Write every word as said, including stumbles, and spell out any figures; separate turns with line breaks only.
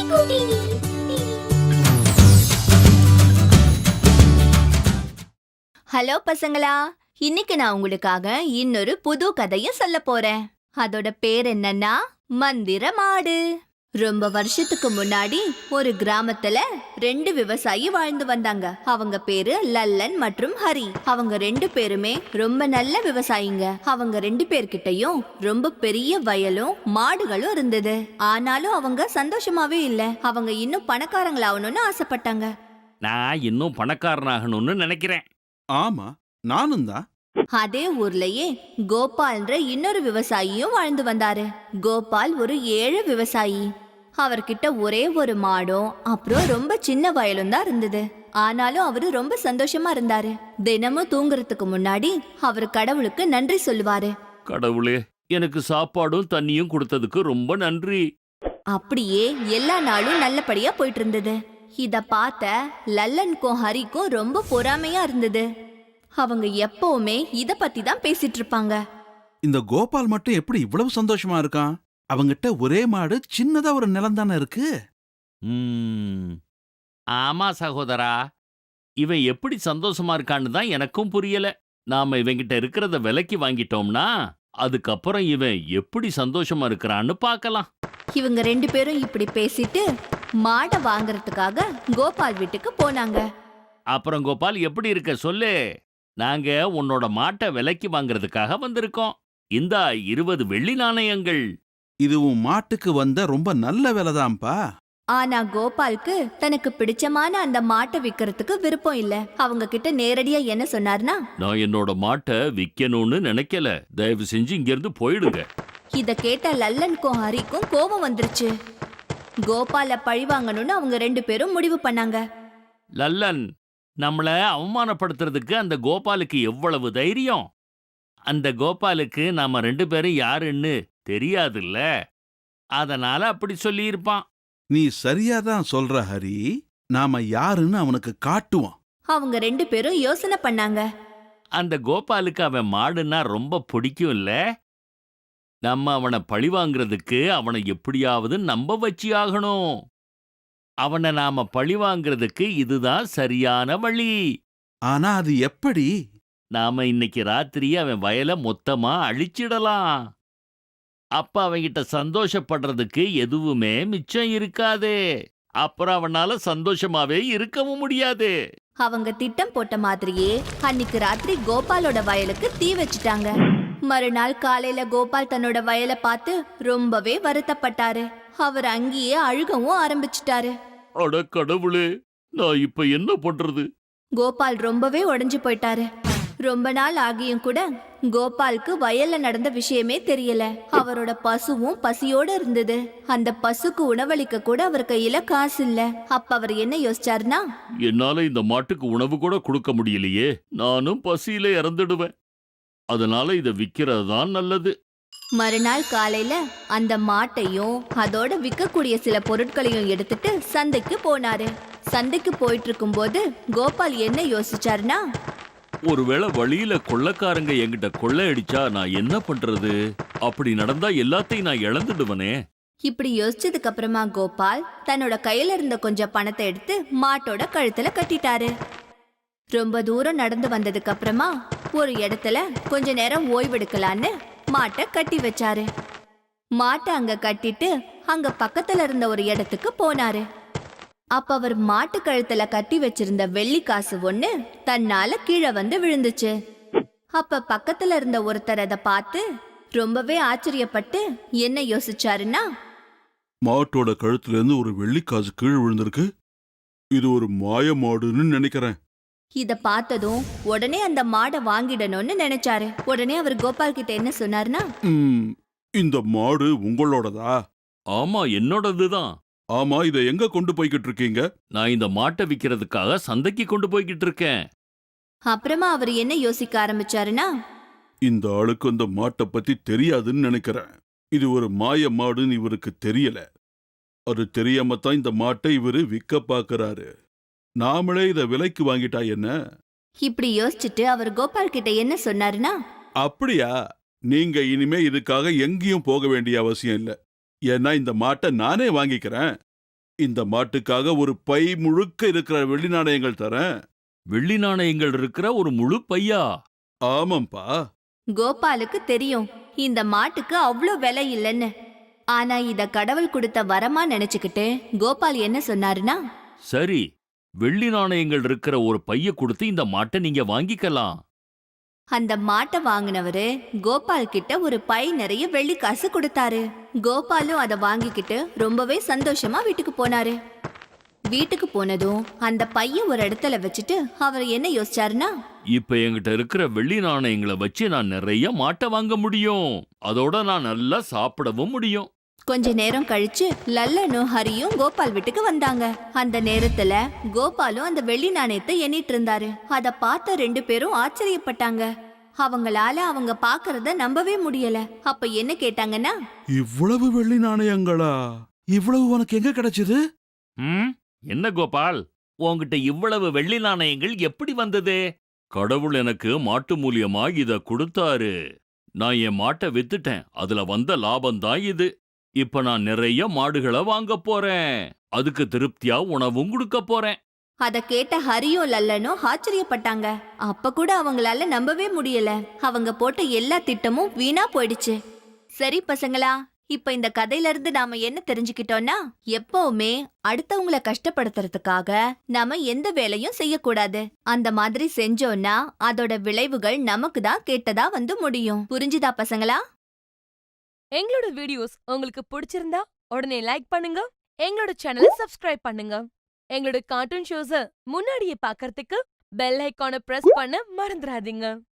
Hello பசங்களா, இன்னைக்கு நான் உங்களுக்காக இன்னொரு புது கதையும் சொல்ல போறேன். அதோட பேர் என்னன்னா மந்திர மாடு. ரொம்ப வருஷத்துக்கு முன்னாடி ஒரு கிராமத்துல ரெண்டு விவசாயி வாழ்ந்து வந்தாங்க. அவங்க பேரு லல்லன் மற்றும் ஹரி. அவங்க ரெண்டு பேருமே ரொம்ப நல்ல விவசாயிங்க. அவங்க ரெண்டு பேர்கிட்டயும் ரொம்ப பெரிய வயலும் மாடுகளும் இருந்தது. ஆனாலும் அவங்க சந்தோஷமாவே இல்ல. அவங்க இன்னும் பணக்காரங்களாகணும்னு ஆசைப்பட்டாங்க.
நான் இன்னும் பணக்காரனாகணும்னு நினைக்கிறேன்.
ஆமா, நானும் தான்.
அதே ஊர்லயே கோபால்ன்ற இன்னொரு விவசாயியும் வாழ்ந்து வந்தாரு. கோபால் ஒரு ஏழை விவசாயி. அவர்கிட்ட ஒரே ஒரு மாடும் அப்புறம் ரொம்ப சின்ன வயலும் தான் இருந்தது. ஆனாலும் அவரு ரொம்ப சந்தோஷமா இருந்தாரு. தினமும் தூங்குறதுக்கு முன்னாடி அவர் கடவுளுக்கு நன்றி சொல்லுவாரு.
கடவுளே, எனக்கு சாப்பாடும் தண்ணியும் கொடுத்ததுக்கு ரொம்ப நன்றி.
அப்படியே எல்லா நாளும் நல்லபடியா போயிட்டு இருந்தது. இத பார்த்த லல்லனுக்கும் ஹரிக்கும் ரொம்ப பொறாமையா இருந்தது. அவங்க எப்பவுமே இத பத்தி தான் பேசிட்டு இருப்பாங்க.
இந்த கோபால் மட்டும் எப்படி இவ்வளவு சந்தோஷமா இருக்கான்? அவங்கிட்ட ஒரே மாடு, சின்னதா ஒரு நிலம் தானே இருக்கு.
ம், ஆமா சகோதரா, இவன் எப்படி சந்தோஷமா இருக்கான்னு தான் எனக்கும் புரியல. நாம இவங்கிட்ட இருக்கிறத விலைக்கு வாங்கிட்டோம்னா அதுக்கப்புறம் இவன் எப்படி சந்தோஷமா இருக்கிறான்னு பார்க்கலாம்.
இவங்க ரெண்டு பேரும் இப்படி பேசிட்டு மாடை வாங்கறதுக்காக கோபால் வீட்டுக்கு போனாங்க.
அப்புறம் கோபால், எப்படி இருக்க சொல்லு. நாங்க உன்னோட மாட்டை விலைக்கு வாங்குறதுக்காக வந்திருக்கோம். இந்தா இருபது வெள்ளி நாணயங்கள்.
இதுவும் மாட்டுக்கு வந்த ரொம்ப நல்ல விலைதான்ப்பா.
ஆனா கோபாலுக்கு தனக்கு பிடிச்சமான அந்த மாட்டை விக்கிறதுக்கு விருப்பம் இல்ல. அவங்க கிட்ட நேரடியா என்ன சொன்னார்னா,
நான் என்னோட மாட்டை விக்கணும்னு நினைக்கல, தயவு செஞ்சு இங்க இருந்து போயிடுங்க.
இத கேட்ட லல்லனுக்கும் ஹரிக்கும் கோபம் வந்துருச்சு. கோபால பழி வாங்கணும்னு அவங்க ரெண்டு பேரும் முடிவு பண்ணாங்க.
லல்லன், நம்மள அவமானப்படுத்துறதுக்கு அந்த கோபாலுக்கு எவ்வளவு தைரியம்! அந்த கோபாலுக்கு நாம ரெண்டு பேரும் யாருன்னு தெரியாதுல்ல, அதனால அப்படி சொல்லியிருப்பான்.
நீ சரியாதான் சொல்ற ஹரி. நாம யாருன்னு அவனுக்கு காட்டுவோம்.
அவங்க ரெண்டு பேரும் யோசனை பண்ணாங்க.
அந்த கோபாலுக்கு அவன் மாடுன்னா ரொம்ப பிடிக்கும் இல்ல. நம்ம அவனை பழி வாங்குறதுக்கு அவனை எப்படியாவது நம்ப வச்சு ஆகணும். அவனை நாம பழி வாங்குறதுக்கு இதுதான் சரியான வழி.
ஆனா அது எப்படி?
நாம இன்னைக்கு ராத்திரி அவன் வயலை மொத்தமா அழிச்சிடலாம். அப்ப அவன்கிட்ட சந்தோஷப்படுறதுக்கு எதுவுமே மிச்சம் இருக்காது. அப்புறம் அவனால சந்தோஷமாவே இருக்கவும் முடியாது.
அவங்க திட்டம் போட்ட மாதிரியே அன்னைக்கு ராத்திரி கோபாலோட வயலுக்கு தீ வச்சிட்டாங்க. மறுநாள் காலையில கோபால் தன்னோட வயலை பார்த்து ரொம்பவே வருத்தப்பட்டாரு. அவர் அங்கேயே அழுகவும் ஆரம்பிச்சிட்டாரு.
அட கடவுளே, நான் இப்ப என்ன பண்றது?
கோபால் ரொம்பவே உடைஞ்சு போயிட்டாரு. ரொம்ப நாள் ஆகியும் கூட கோபாலுக்கு வயல்ல நடந்த விஷயமே தெரியல. அவரோட பசுவும் பசியோட இருந்தது. அந்த பசுக்கு உணவளிக்க கூட அவர் கையில காசு இல்ல. அப்ப அவர் என்ன யோசிச்சாருன்னா,
என்னால இந்த மாட்டுக்கு உணவு கூட கொடுக்க முடியலையே, நானும் பசியில இறந்துடுவேன். அதனால இதை விக்கிறது தான் நல்லது.
மறுநாள் காலையில அந்த மாட்டையும் அதோட விற்கக்கூடிய சில பொருட்களையும் எடுத்துட்டு சந்தைக்கு போனாரு. சந்தைக்கு போயிட்டு இருக்கும் போது கோபால் என்ன யோசிச்சாருன்னா,
ஒருவேளை வழியில கொள்ளைக்காரங்க என்கிட்ட கொள்ளை அடிச்சா நான் என்ன பண்றது? அப்படி நடந்தா எல்லாத்தையும் நான் இழந்துடுவனே.
இப்படி யோசிச்சதுக்கு அப்புறமா கோபால் தன்னோட கையில இருந்த கொஞ்சம் பணத்தை எடுத்து மாட்டோட கழுத்துல கட்டிட்டாரு. ரொம்ப தூரம் நடந்து வந்ததுக்கு அப்புறமா ஒரு இடத்துல கொஞ்ச நேரம் ஓய்வெடுக்கலான்னு மாட்டை கட்டி வச்சாரு. மாட்டை அங்க கட்டிட்டு அங்க பக்கத்துல இருந்த ஒரு இடத்துக்கு போனாரு. அப்ப அவர் மாட்டு கழுத்துல கட்டி வச்சிருந்த வெள்ளி காசு ஒண்ணு தன்னால கீழே வந்து விழுந்துச்சு. அப்ப பக்கத்துல இருந்த ஒருத்தர் அதை பார்த்து ரொம்பவே ஆச்சரியப்பட்டு என்ன யோசிச்சாருன்னா,
மாட்டோட கழுத்துல இருந்து ஒரு வெள்ளிக்காசு கீழே விழுந்திருக்கு. இது ஒரு மாய மாடுன்னு நினைக்கிறேன்.
இத பார்த்ததும் உடனே அந்த மாடை வாங்கிடணும்னு நினைச்சாரு. உடனே அவர் கோபால் கிட்ட என்ன சொன்னார்னா,
ம், இந்த மாடு உங்களோடதா?
ஆமா, என்னோடதுதான்.
ஆமா, இதை எங்க கொண்டு போய்கிட்டு இருக்கீங்க?
நான் இந்த மாட்டை விக்கிறதுக்காக சந்தைக்கு கொண்டு போய்கிட்டு இருக்கேன்.
அப்புறமா அவர் என்ன யோசிக்க ஆரம்பிச்சாருன்னா,
இந்த ஆளுக்கு அந்த மாட்டை பத்தி தெரியாதுன்னு நினைக்கிறேன். இது ஒரு மாய மாடுன்னு இவருக்கு தெரியல. அது தெரியாம தான் இந்த மாட்டை இவரு விற்க பாக்குறாரு. நாமளே இத விலைக்கு வாங்கிட்டா என்ன?
இப்படி யோசிச்சுட்டு அவர் கோபால் கிட்ட என்ன சொன்னாருன்னா,
அப்படியா? நீங்க இனிமே இதுக்காக எங்கேயும் போக வேண்டிய அவசியம் இல்ல. ஏன்னா இந்த மாட்டை நானே வாங்கிக்கிறேன். இந்த மாட்டுக்காக ஒரு பை முழுக்க இருக்கிற வெள்ளி நாணயங்கள் தரேன்.
வெள்ளி நாணயங்கள் இருக்கிற ஒரு முழு பையா?
ஆமாம்பா.
கோபாலுக்கு தெரியும் இந்த மாட்டுக்கு அவ்வளோ விலை இல்லைன்னு. ஆனா இத கடவுள் கொடுத்த வரமா நினைச்சுக்கிட்டு கோபால் என்ன சொன்னாருன்னா,
சரி, வெள்ளி நாணயங்கள் இருக்கிற ஒரு பைய கொடுத்து இந்த மாட்டை நீங்க வாங்கிக்கலாம்.
அந்த மாட்டை வாங்கினவரு கோபால் கிட்ட ஒரு பை நிறைய வெள்ளி காசு கொடுத்தாரு. கோபாலும் அதை வாங்கிக்கிட்டு ரொம்பவே சந்தோஷமா வீட்டுக்கு போனாரு. வீட்டுக்கு போனதும் அந்த பைய ஒரு இடத்துல வச்சுட்டு அவர் என்ன யோசிச்சாருன்னா,
இப்ப என்கிட்ட இருக்கிற வெள்ளி நாணயங்களை வச்சு நான் நிறைய மாட்டை வாங்க முடியும். அதோட நான் நல்லா சாப்பிடவும் முடியும்.
கொஞ்ச நேரம் கழிச்சு லல்லனும் ஹரியும் கோபால் வீட்டுக்கு வந்தாங்க. அந்த நேரத்துல கோபாலும் அந்த வெள்ளி நாணயத்தை எண்ணிட்டு இருந்தாரு. அத பார்த்த ரெண்டு பேரும் ஆச்சரியப்பட்டாங்க. அவங்களால அவங்க பாக்குறத நம்பவே முடியல. அப்ப என்ன கேட்டாங்கன்னா,
இவ்வளவு வெள்ளி நாணயங்களா? இவ்வளவு உனக்கு எங்க கிடைச்சது?
ம் என்ன கோபால், உன்கிட்ட இவ்வளவு வெள்ளி நாணயங்கள் எப்படி வந்தது? கடவுள் எனக்கு மாட்டு மூலியமா இத கொடுத்தாரு. நான் என் மாட்டை வித்துட்டேன். அதுல வந்த லாபம் தான் இது. இப்ப நான் நிறைய மாடுகளை வாங்க போறேன். அதுக்கு திருப்தியா உணவும் கொடுக்க போறேன்.
அத கேட்ட ஹரியும் லல்லனும் ஆச்சரியப்பட்டாங்க. அப்ப கூட அவங்களால நம்பவே முடியல. அவங்க போட்ட எல்லா திட்டமும் வீணா போயிடுச்சு. சரி பசங்களா, இப்ப இந்த கதையில இருந்து நாம என்ன தெரிஞ்சுக்கிட்டோம்னா, எப்பவுமே அடுத்தவங்கள கஷ்டப்படுத்துறதுக்காக நாம எந்த வேலையும் செய்யக்கூடாது. அந்த மாதிரி செஞ்சோம்னா அதோட விளைவுகள் நமக்கு தான் கேட்டதா வந்து முடியும். புரிஞ்சுதா பசங்களா?
எங்களோட வீடியோஸ் உங்களுக்கு பிடிச்சிருந்தா உடனே லைக் பண்ணுங்க, எங்களோட சேனலை சப்ஸ்கிரைப் பண்ணுங்க. எங்களோட கார்ட்டூன் ஷோஸ முன்னாடியே பார்க்கறதுக்கு பெல் ஐகானை பிரஸ் பண்ண மறந்துடாதீங்க.